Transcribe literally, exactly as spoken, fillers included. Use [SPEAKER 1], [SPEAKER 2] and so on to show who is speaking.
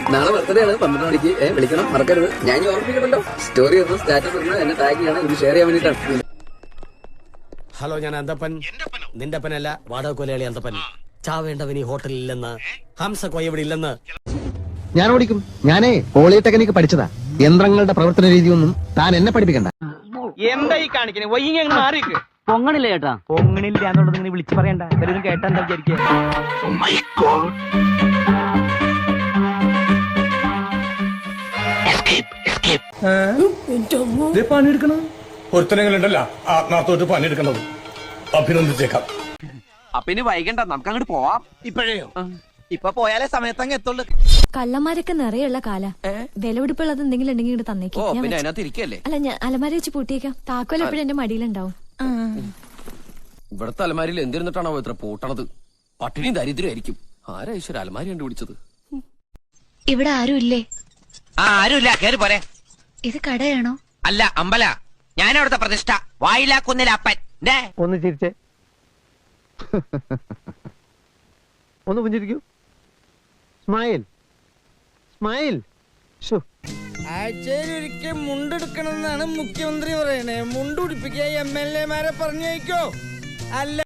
[SPEAKER 1] നാളെ ബർത്ത്ഡേ ആണ്, പന്ത്രണ്ട് മണിക്ക് വിളിക്കണം, മറക്കരുത്. ഞാൻ ഓർമ്മിക്കണല്ലോ. സ്റ്റോറി ഇടുന്നു, സ്റ്റാറ്റസ് ഇടുന്നു, എന്നെ ടാഗ് ചെയ്യണം, ഇത് ഷെയർ ചെയ്യാൻ വേണ്ടിയിട്ടാണ്.
[SPEAKER 2] ഹലോ, ഞാൻ അന്തപ്പൻ. നിന്റെ അപ്പനല്ല, വാടക കൊലയാളി അന്തപ്പൻ. ചാവേണ്ടവൻ ഈ ഹോട്ടലിൽ ഇല്ലെന്ന്, ഹംസ കോയ ഇവിടെ ഇല്ലെന്ന്.
[SPEAKER 3] ഞാൻ ഓടിക്കും. ഞാനേ പോളിടെക്നിക്ക് പഠിച്ചതാ. യന്ത്രങ്ങളുടെ പ്രവർത്തന രീതിയൊന്നും താൻ എന്നെ പഠിപ്പിക്കണ്ട.
[SPEAKER 4] എന്താ ഈ കാണിക്കണേ? വൈകി അങ്ങ് മാറിക്ക്.
[SPEAKER 5] പൊങ്ങണില്ല ചേട്ടാ.
[SPEAKER 4] പൊങ്ങണില്ല എന്നുള്ളത് ഇങ്ങനെ വിളിച്ചു പറയണ്ട. ഇവരൊന്നും കേട്ടാ എന്താ വിചാരിക്കുക?
[SPEAKER 6] പണിയെടുക്കണം. ഒരുത്തനങ്ങളുണ്ടല്ല ആത്മാർത്ഥമായിട്ട് പണിയെടുക്കണത്. അഭിനന്ദിച്ചേക്കാം.
[SPEAKER 5] അപ്പൊ ഇനി വൈകണ്ട, നമുക്ക് അങ്ങോട്ട് പോവാം.
[SPEAKER 4] ഇപ്പോഴേയോ? ഇപ്പൊ പോയാലേ സമയത്തങ്ങ് എത്തുള്ളൂ.
[SPEAKER 7] കള്ളന്മാരൊക്കെ നിറയുള്ള കാല. വിലപിടിപ്പുള്ളത് എന്തെങ്കിലും ഉണ്ടെങ്കിൽ ഇങ്ങോട്ട് തന്നേക്കും.
[SPEAKER 5] ഓ, പിന്നെ അതിനകത്ത് ഇരിക്കല്ലേ?
[SPEAKER 7] അല്ല, ഞാൻ അലമാര വെച്ച് പൂട്ടിയേക്കാം. താക്കോൽ എപ്പോഴും എന്റെ മടിയിലുണ്ടാവും.
[SPEAKER 5] ഇവിടത്തെ അലമാരിയിൽ എന്തിരുന്നിട്ടാണോ ഇത്ര പൂട്ടണത്? പട്ടിണിയും ദരിദ്രമായിരിക്കും. ആരാ ഈശ്വര അലമാരി കണ്ടുപിടിച്ചത്?
[SPEAKER 8] ഇവിടെ ആരും ഇല്ലേ?
[SPEAKER 5] ആ, ആരുമില്ല. കേറി പോരെ.
[SPEAKER 8] ഇത് കടയാണോ?
[SPEAKER 5] അല്ല, അമ്പല. ഞാനവിടുത്തെ പ്രതിഷ്ഠ. വായിലാക്കുന്നില്ല അപ്പൻ.
[SPEAKER 3] ഒന്ന് ചിരിച്ചേ, ഒന്ന് പുഞ്ചിരിക്കൂ. Smile smile.
[SPEAKER 4] ആഴ്ചയിലൊരിക്കൽ മുണ്ടെടുക്കണമെന്നാണ് മുഖ്യമന്ത്രി പറയണേ. മുണ്ടുപിടിപ്പിക്കുക എം എൽ എമാരെ പറഞ്ഞേക്കോ? അല്ല